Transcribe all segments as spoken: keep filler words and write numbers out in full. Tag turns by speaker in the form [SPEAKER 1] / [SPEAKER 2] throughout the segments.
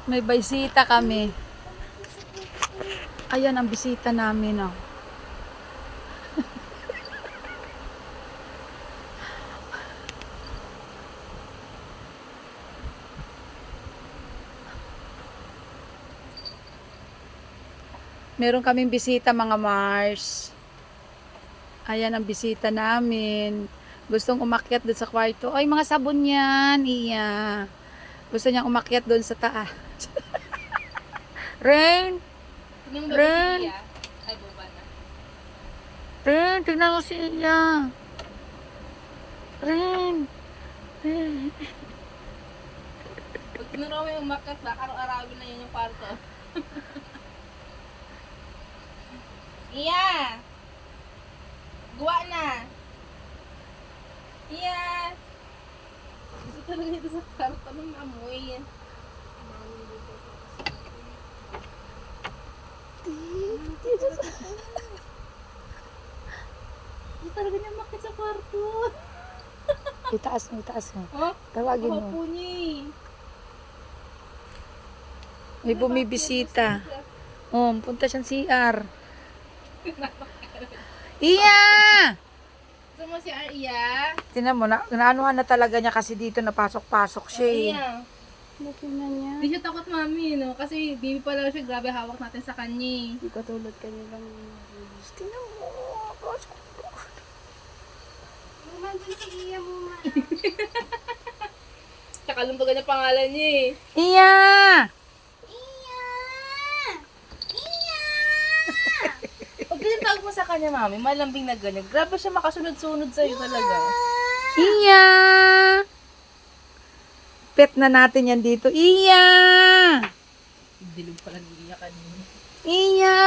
[SPEAKER 1] May bisita kami. Ayan ang bisita namin, oh. Meron kaming bisita, mga Mars. Ayan ang bisita namin. Gustong umakyat doon sa kwarto. Ay, mga sabon yan. Iya. Gusto niyang umakyat doon sa taas. Rain! Rain!
[SPEAKER 2] Ay, boba na.
[SPEAKER 1] Rain, tignan mo si Iya. Rain! Rain!
[SPEAKER 2] Pag tinuro mo yung umakyat ba, araw-arawin na yun yung kwarto. Iya! Guwa na! Iya! Gusto talaga ito sa kwarto ng amoy. Gusto talaga niya umakyat sa kwarto.
[SPEAKER 1] Itaas mo, itaas mo.
[SPEAKER 2] Oh?
[SPEAKER 1] Tawagin mo.
[SPEAKER 2] Opo niya eh.
[SPEAKER 1] May bumibisita. Oh, punta siyang C R. Iya!
[SPEAKER 2] Gusto mo si Arya?
[SPEAKER 1] Tingnan mo, na, naanuhan na talaga niya kasi dito napasok-pasok siya eh.
[SPEAKER 2] Arya.
[SPEAKER 1] Tingnan niya.
[SPEAKER 2] Hindi siya takot, mami, no? Kasi baby pa lang siya, grabe hawak natin sa kanya eh.
[SPEAKER 1] Hindi katulad kanya lang. Tingnan mo. Pasok.
[SPEAKER 3] Nandun si Iya mo, ma.
[SPEAKER 2] Tsaka lumbagan niya pangalan niya eh.
[SPEAKER 1] Iya!
[SPEAKER 3] Iya! Iya!
[SPEAKER 2] Pag tinatawag mo sa kanya, mami, malambing na ganyan. Grabe siya makasunod-sunod sa'yo talaga.
[SPEAKER 1] Iya! Pet na natin yan dito. Iya!
[SPEAKER 2] Dilog pala niya kanina.
[SPEAKER 1] Iya!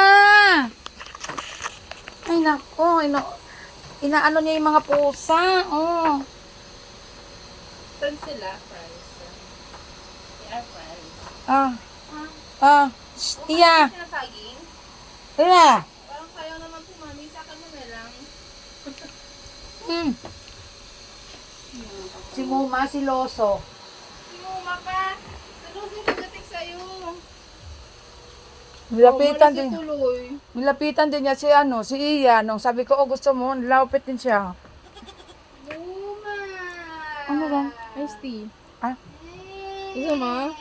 [SPEAKER 1] Ay nako, ina inaano niya yung mga pusa. Oh.
[SPEAKER 2] Saan sila, friends? Yeah, friends.
[SPEAKER 1] Ah. Ah. Shh, Iya!
[SPEAKER 2] Sinasaging?
[SPEAKER 1] Iya!
[SPEAKER 2] Parang sayaw naman po, mami. Sa akin mo na lang.
[SPEAKER 1] Hmm. Si Muma, si Loso.
[SPEAKER 2] Sumuma ka. Salusin pagdating sa'yo.
[SPEAKER 1] Nilapitan
[SPEAKER 2] Umalis
[SPEAKER 1] din.
[SPEAKER 2] yung tuloy.
[SPEAKER 1] Nilapitan din niya si ano, si Iya. Nung sabi ko, oh gusto mo, nilapit din siya.
[SPEAKER 3] Luma!
[SPEAKER 1] Ano ba?
[SPEAKER 2] Iced tea.
[SPEAKER 1] Ah?
[SPEAKER 2] Gusto mo?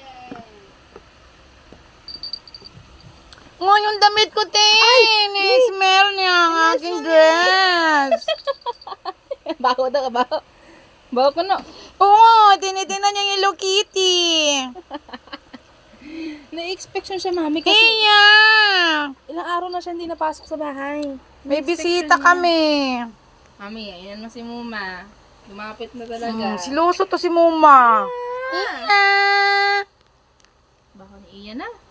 [SPEAKER 1] Oh, yung damit ko, Tin! I-smell niya ang aking dress.
[SPEAKER 2] Bako daw ka ba? Bako ko na.
[SPEAKER 1] Oo, tinitingnan niya yung Hello Kitty.
[SPEAKER 2] Na-expect siya, mami, kasi
[SPEAKER 1] Iya!
[SPEAKER 2] ilang araw na siya hindi napasok sa bahay.
[SPEAKER 1] May
[SPEAKER 2] Na-expect
[SPEAKER 1] bisita
[SPEAKER 2] siya niya.
[SPEAKER 1] kami.
[SPEAKER 2] Mami, ayan mo si Muma. Lumapit na talaga.
[SPEAKER 1] Hmm, si Loso to si Muma. Iya!
[SPEAKER 2] Bako ni Ian na.